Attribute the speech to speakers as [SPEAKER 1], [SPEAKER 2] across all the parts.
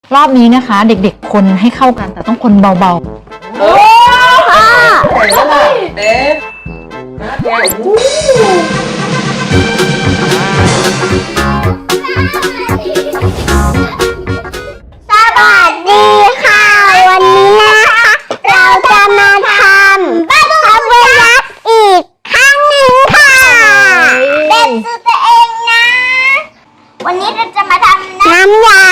[SPEAKER 1] รอบนี้นะคะเด็กๆคนให้เข้ากันแต่ต้องคนเบาๆโอ้ค่ะ
[SPEAKER 2] เต้นนะแก
[SPEAKER 3] สวัสดีค่ะวันนี้นะคะเราจะมาทำบับเบิ้ลยักษ์อีกครั้งหนึ่งค่ะเป็นสูตรตัวเองนะวันนี้เราจะมาทำน้ำยา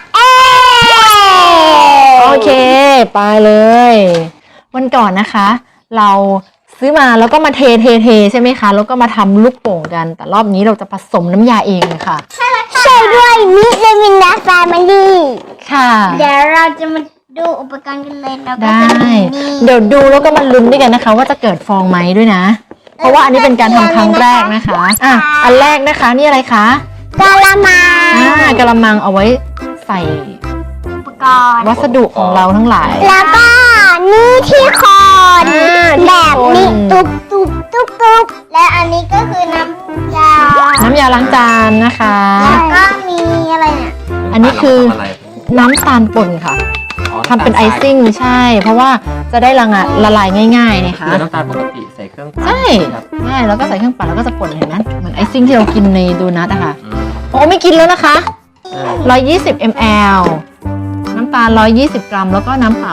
[SPEAKER 1] โอเคไปเลยวันก่อนนะคะเราซื้อมาแล้วก็มาเทใช่ไหมคะแล้วก็มาทำลูกโป่งกันแต่รอบนี้เราจะผสมน้ำยาเองเลยค่ะ
[SPEAKER 3] ใช่ด้วยมิเลมินดาแฟมิลี่
[SPEAKER 1] ค่ะ
[SPEAKER 3] เดี๋ยวเราจะมาดูอุปกรณ์กันเลยแล้วก็
[SPEAKER 1] ได้เดี๋ยวดูแล้วก็มาลุ้นด้วยกันนะคะว่าจะเกิดฟองไหมด้วยนะเพราะว่าอันนี้เป็นการทำครั้งแรกนะคะอันแรกนะคะนี่อะไรคะ
[SPEAKER 3] กะละมัง
[SPEAKER 1] กะละมังเอาไว้ใส่
[SPEAKER 3] อุปกรณ์
[SPEAKER 1] วัสดุของเราทั้งหลาย
[SPEAKER 3] แล้วก็นี่ที่คอนแบบนี้ตุ๊บและอันนี้ก็คือน้ำยา
[SPEAKER 1] ล้างจานนะคะ
[SPEAKER 3] แล้วก็มีอะไรเนี่ย
[SPEAKER 1] อันนี้คือน้ำตาลป่นค่ะทำเป็นไอซิ่งใช่เพราะว่าจะได้ละลายง่ายๆนะคะ
[SPEAKER 2] น้ำตาลปกติใส่เครื่องปั่น
[SPEAKER 1] ใช่แล้วก็ใส่เครื่องปั่นแล้วก็จะป่นเห็นไหมเหมือนไอซิ่งที่เรากินในโดนัทอะค่ะโอ้ไม่กินแล้วนะคะ120 ml น้ำตาล120 กรัมแล้วก็น้ำเปล่า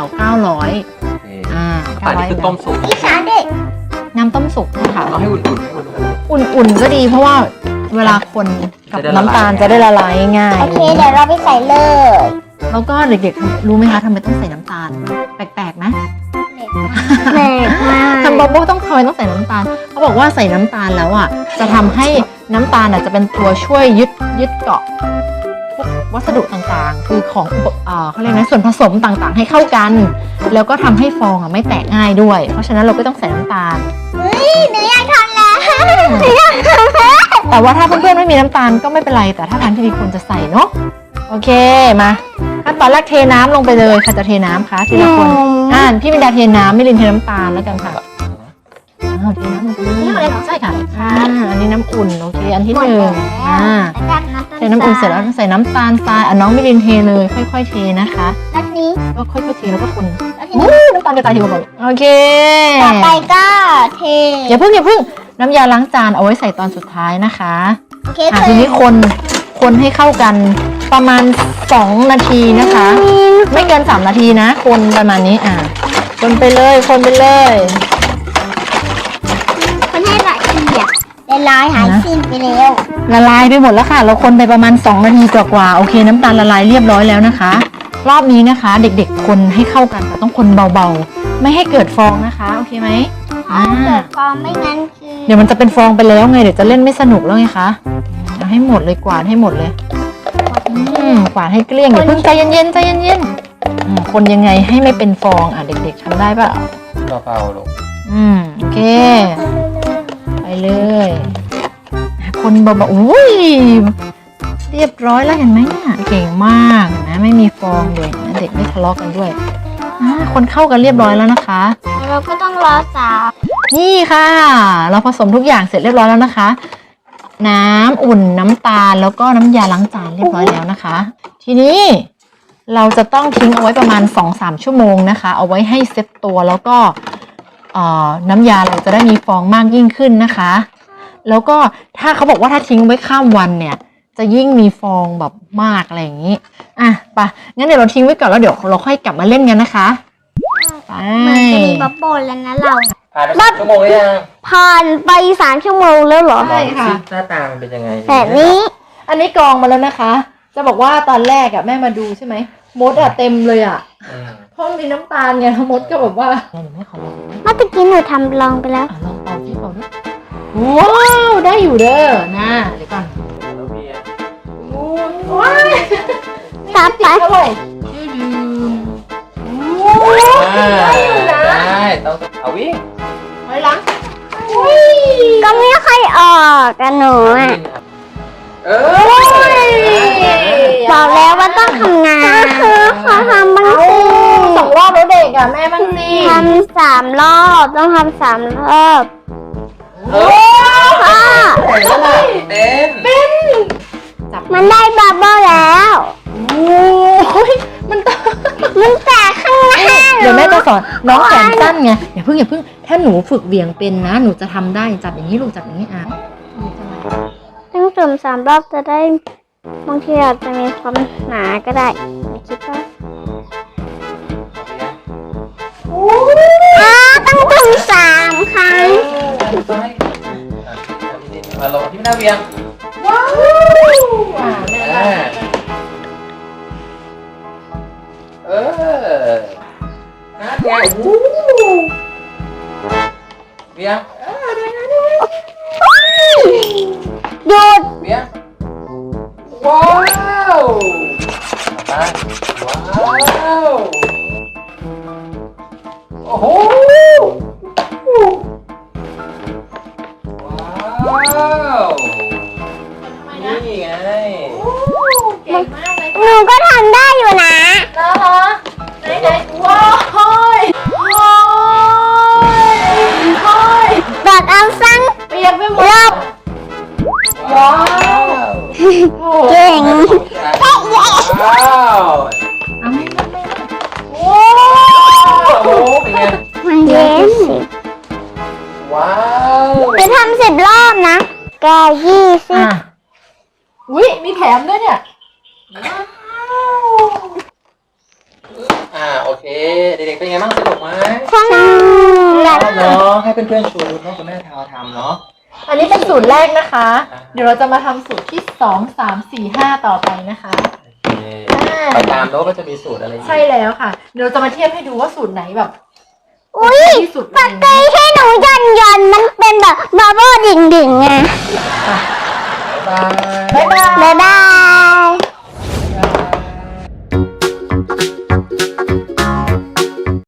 [SPEAKER 1] 900
[SPEAKER 2] ปั่นนี่คือต้มสุก
[SPEAKER 1] น้ำต้มสุกนะคะ
[SPEAKER 2] เอาให้
[SPEAKER 1] อุ่นก็ดีเพราะว่าเวลาคนกับน้ำตาลจะได้ละลายง่าย
[SPEAKER 3] โอเคเดี๋ยวเราไปใส่เลย
[SPEAKER 1] แล้วก็เด็กๆรู้ไหมคะทำไมต้องใส่น้ำตาลแปลกๆไหม
[SPEAKER 3] แปลกมาก
[SPEAKER 1] ทำบับเบิ้ลต้องใส่น้ำตาลเขาบอกว่าใส่น้ำตาลแล้วอ่ะจะทำให้น้ำตาลจะเป็นตัวช่วยยึดเกาะพวกวัสดุต่างๆคือของเขาเรียกนะส่วนผสมต่างๆให้เข้ากันแล้วก็ทำให้ฟองไม่แตกง่ายด้วยเพราะฉะนั้นเราก็ต้องใส่น้ำตาล
[SPEAKER 3] หนูอยากทำแล้ว
[SPEAKER 1] แต่ว่าถ้าเพื่อนๆไม่มีน้ำตาลก็ไม่เป็นไรแต่ถ้าทางที่ดีควรจะใส่เนาะโอเคมาขั้นตอนแรกเทน้ำลงไปเลยค่ะจะเทน้ำคะทีละคนพี่มินดาเทน้ำมิลินเทน้ำตาลแล้วกันค่ะเทน้ำลงไปเลยใช่ค่ะอันนี้น้ำอุ่นโอเคอันที่หนึ่งเทน้ำอุ่นเสร็จแล้วใส่น้ำตาลทรายน้องมิลินเทเลยค่อยๆเทนะคะ
[SPEAKER 3] แล้วนี้
[SPEAKER 1] ก็ค่อยๆเทแล้วก็คนน้ำตาลกระจายทีละคนโอเค
[SPEAKER 3] ต่อไปก็เท
[SPEAKER 1] อย่าเพิ่งน้ำยาล้างจานเอาไว้ใส่ตอนสุดท้ายนะคะ
[SPEAKER 3] โอเค
[SPEAKER 1] ทีนี้คนให้เข้ากันประมาณ2 นาทีนะคะไม่เกิน3 นาทีนะคนประมาณนี้คนไปเลยคนให้ละ
[SPEAKER 3] ลายหายสิ้นไปแล้ว
[SPEAKER 1] ละลายไปหมดแล้วค่ะเราคนไปประมาณ2 นาทีกว่าโอเคน้ำตาลละลายเรียบร้อยแล้วนะคะรอบนี้นะคะเด็กๆคนให้เข้ากันแต่ต้องคนเบาๆไม่ให้เกิดฟองนะคะโอเคไหม
[SPEAKER 3] เกิดฟองไม่งั้นคือ
[SPEAKER 1] เดี๋ยวมันจะเป็นฟองไปแล้วไงเดี๋ยวจะเล่นไม่สนุกแล้วไงคะเอาให้หมดเลยกวาดให้หมดเลยกวาดให้เกลี้ยงอย่าเพิ่งใจเย็นคนยังไงให้ไม่เป็นฟองเด็กๆทำได้ป่ะ
[SPEAKER 2] เบาๆลูก
[SPEAKER 1] โอเคไปเลยคนเบาๆอุ้ยเรียบร้อยแล้วเห็นไหมเนี่ยเก่งมากนะไม่มีฟองเลยนะเด็กไม่ทะเลาะกันด้วยคนเข้ากันเรียบร้อยแล้วนะคะ
[SPEAKER 3] เราก็ต้องรอ
[SPEAKER 1] นี่ค่ะเราผสมทุกอย่างเสร็จเรียบร้อยแล้วนะคะน้ำอุ่นน้ำตาลแล้วก็น้ำยาล้างจานเรียบร้อยแล้วนะคะทีนี้เราจะต้องทิ้งเอาไว้ประมาณ 2-3 ชั่วโมงนะคะเอาไว้ให้เซ็ตตัวแล้วก็น้ำยาเราจะได้มีฟองมากยิ่งขึ้นนะคะแล้วก็ถ้าเขาบอกว่าถ้าทิ้งไว้ข้ามวันเนี่ยจะยิ่งมีฟองแบบมากอะไรอย่างนี้ไปงั้นเดี๋ยวเราทิ้งไว้ก่อนแล้วเดี๋ยวเราค่อยกลับมาเล่นกันนะคะ
[SPEAKER 3] ไปมันจะมีบับเบิ้ลแล้วนะเรา
[SPEAKER 2] ผ่านไป3 ชั่วโมงแล้วยัง
[SPEAKER 3] ผ่านไป3 ชั่วโมงแล้วเหรอ
[SPEAKER 1] ใช่ค่ะ
[SPEAKER 2] หน้าตามันเป็นยังไง
[SPEAKER 3] แบบนี้
[SPEAKER 1] อันนี้กรองมาแล้วนะคะจะบอกว่าตอนแรกแม่มาดูใช่ไหมมดเต็มเลยเพราะมีน้ำตาลไงมดก็แบบว่าไม่ขอลอง
[SPEAKER 3] เมื่อกี้หนูทำลองไปแล้ว
[SPEAKER 1] ลองเป่าที่เป่าด้วยว้าวได้อยู่เด้อนะเดี๋ยวก่อนว้าว
[SPEAKER 3] ต่อไป
[SPEAKER 1] ได้อยู่นะ
[SPEAKER 2] ได้ต้องเอาวิ่ง
[SPEAKER 1] ไปหลัง
[SPEAKER 3] ก็ไม่ค่อยออกกันหนูบอกแล้วว่าต้องทำงานขอทำบ้างสิ
[SPEAKER 1] 2 รอบแล้วเด็กแม่บ้างสิ
[SPEAKER 3] ทำ3 รอบต้องทำ3 รอบ
[SPEAKER 2] เป็น
[SPEAKER 3] มันได้บับเบิ้ลแล้ว
[SPEAKER 1] สอนน้องแขนสั้นไงอย่าเพิ่งถ้าหนูฝึกเหวี่ยงเป็นนะหนูจะทำได้จับอย่างนี้ลูกจับอย่างนี้อ่ะ
[SPEAKER 3] ต้องจุ่ม3 รอบจะได้บางทีอาจจะมีความหนาก็ได้คิดว่าต้องจุ่ม3 ครั้ง
[SPEAKER 2] มาลงที่หน้าเวียง
[SPEAKER 1] ว้าวแม่ได้
[SPEAKER 2] นั่นไงเวียง
[SPEAKER 3] หยุด
[SPEAKER 2] เวียงว้าวว้าวโอ้โหว้าวนี่ไง
[SPEAKER 1] เก่งมากเลย
[SPEAKER 3] หนูก็ทำได้อยู่นะ
[SPEAKER 1] นะคะไหนว้าวโอ้ย
[SPEAKER 3] แบบเอาสั้น
[SPEAKER 1] เปียกไปหมด
[SPEAKER 3] รอบ
[SPEAKER 1] ว้าว
[SPEAKER 3] เก่ง
[SPEAKER 2] ว้าว
[SPEAKER 1] เอาไม่
[SPEAKER 2] โอ้โหเป็นไง
[SPEAKER 3] มันเย็น
[SPEAKER 2] ว้าว
[SPEAKER 3] ไปทำ10 รอบนะแก20
[SPEAKER 1] อ่ะอุ้ยมีแถมด้วยเนี่ย
[SPEAKER 2] โอเคเด็กๆเป็นไงบ้างสนุกไหม
[SPEAKER 3] สนุก
[SPEAKER 2] ชอบเนาะให้เพื่อนๆชวนคุณพ่อคุณแม่ทำเนาะ
[SPEAKER 1] อันนี้เป็นสูตรแรกนะคะ เดี๋ยวเราจะมาทำสูตรที่2 3 4 5ต่อไปนะคะ
[SPEAKER 2] โอเคไปตามโน้ตก็จะมีสูตรอะไรอีก
[SPEAKER 1] ใช่แล้วค่ะ เดี๋ยวเราจะมาเทียบให้ดูว่าสูตรไหนแบบ
[SPEAKER 3] อุ้ย
[SPEAKER 1] ที่สุด
[SPEAKER 3] ปกติให้หนูหย่อนมันเป็นแบบบับเบิ้ลดิ่งๆไง
[SPEAKER 2] บ๊ายบาย
[SPEAKER 1] บ๊ายบาย
[SPEAKER 3] บ๊ายบาย